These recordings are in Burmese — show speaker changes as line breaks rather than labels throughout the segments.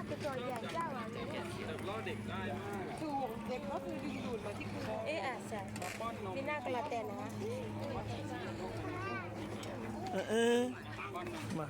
ตัวใหญ่เจ้าอ่ะเนี่ย
ล้อเด็กได้มาก
ถูกเด็กก็คือดึงดูดมาที่คุณ
เอ๊ะอ่ะใช่นี่น่ากระเตนนะ
มา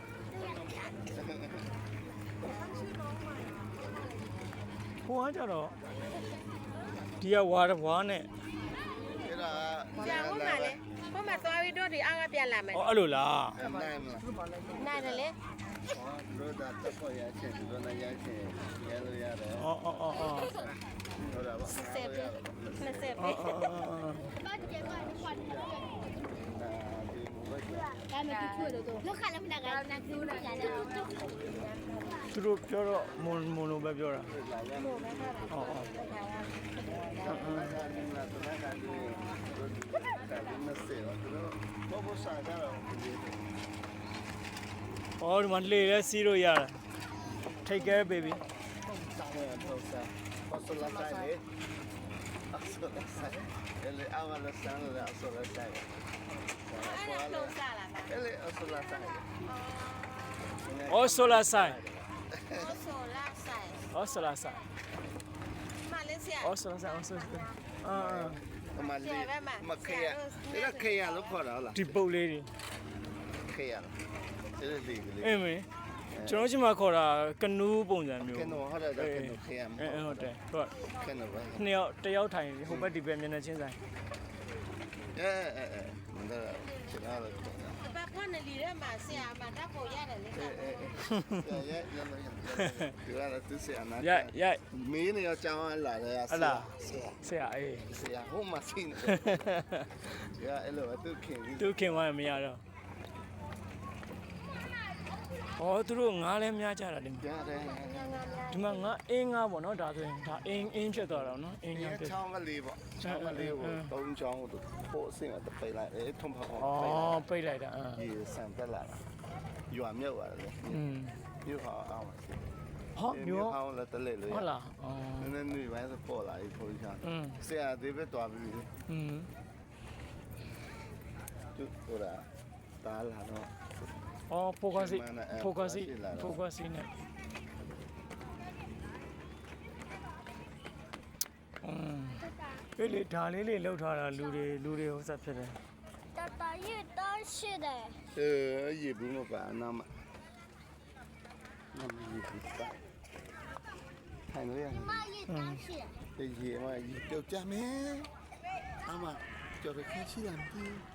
ဟိုကကြတော့ဒီကဝါနဲ့
အဲ့ဒါ
จ้าพวกมาเลยพวกมาตัววิดีโอที่อ้างก็เปลี่ยนละมั้ย
อ๋อအဲ့လိုလား
နိုင်မလား
น่าจะเลย
တို့ဒါတက်ပေါ်ရချင်တို့လည်းရချင်ရလို့ရတယ်
อ๋ออ๋ออ๋อ
ဟုတ်တာပါ
เสพมันเสพ
อ๋อ
ลูกค้าแล้วมันดังนักดูนะอย่าเลย
သူတို့ပြောတော့မွန်လိုပဲပြောတာ
หมูไม่ค่ะ
อ๋ออ๋อ အော်ဒီမှာလေလဲစီးလို့ရတာ Take care baby
ele agua la sangre de asola sai
อันนั้นลงซาล่ะ
ele asola sai
อ๋อ solar side
โอโซล่าใส่
อ๋อ solar side
มาเลเซีย
อ๋อ solar side อ๋อ solar side အာ
ma li ma khaya era khaya lo khora la
ဒီပုတ်လေးတွေ
khaya ele li li
အင်းမင်းကျွန်တော်ချင်းမှာခေါ်တာကနူးပုံစံမျိုး
keno hora da keno khaya
ဟုတ်တယ်ဟုတ်
keno ba
နှစ်ယောက်တစ်ယောက်ထိုင်ဟိုဘက်ဒီဘက်မျက်နှာချင်းဆိုင်
manda chila la
บางคนน่ะลีได้มาเสียมาถ้าโปยาได้เลยค่ะ
ya la tu se ana
ရိုက်
me ne ya chawa la la ya
ဟလာဆရာအေး
se ya ho ma sin ya elo tu khin
သူခင်သွားရင်မရတော့အော်သူတို့ငားလဲများကြတာတင်
ya de
ဒီမှာငါအင်းငါပေါ့နော်ဒါဆိုရင်ဒါအင်းဖြစ်သွားတော့နော်အင်းငါ
ya
ဖြစ်
chawa ma li bo chawa ma li bo tong chong do ho sin a pai la thom pha
အော်ပိတ်လိုက်တာ
ရေဆန်တက်လာတာရွာမြုပ်ရတယ်
อืม
မြုပ်ဟာအောင်ပါ
ဟောမျိုး
ဟောင်းလည်းတလက်လို့
ဟုတ်လားအော်
နည်းနည်းနေပိုင်းစပေါ်လာပြီဖိုးချာ
อืม
ဆရာသေးပဲတွားပြီ
อืม
သူဟိုတာတားလာတော့
အော်ဖိုကစီနဲ့လေဒါလေးလေးလောက်ထားတာလူတွေဟိုဆက်ဖြစ်တယ်
ตาตายืดต้นชื่อได้
ရေဘူးမပါနာမနမရေဘူးပါထိုင်လို့ရ
มายืดต้นชื่อ
ရေမရေကြောက်ကြမယ်အမကြောက်ရခက်ရှိလားမသိ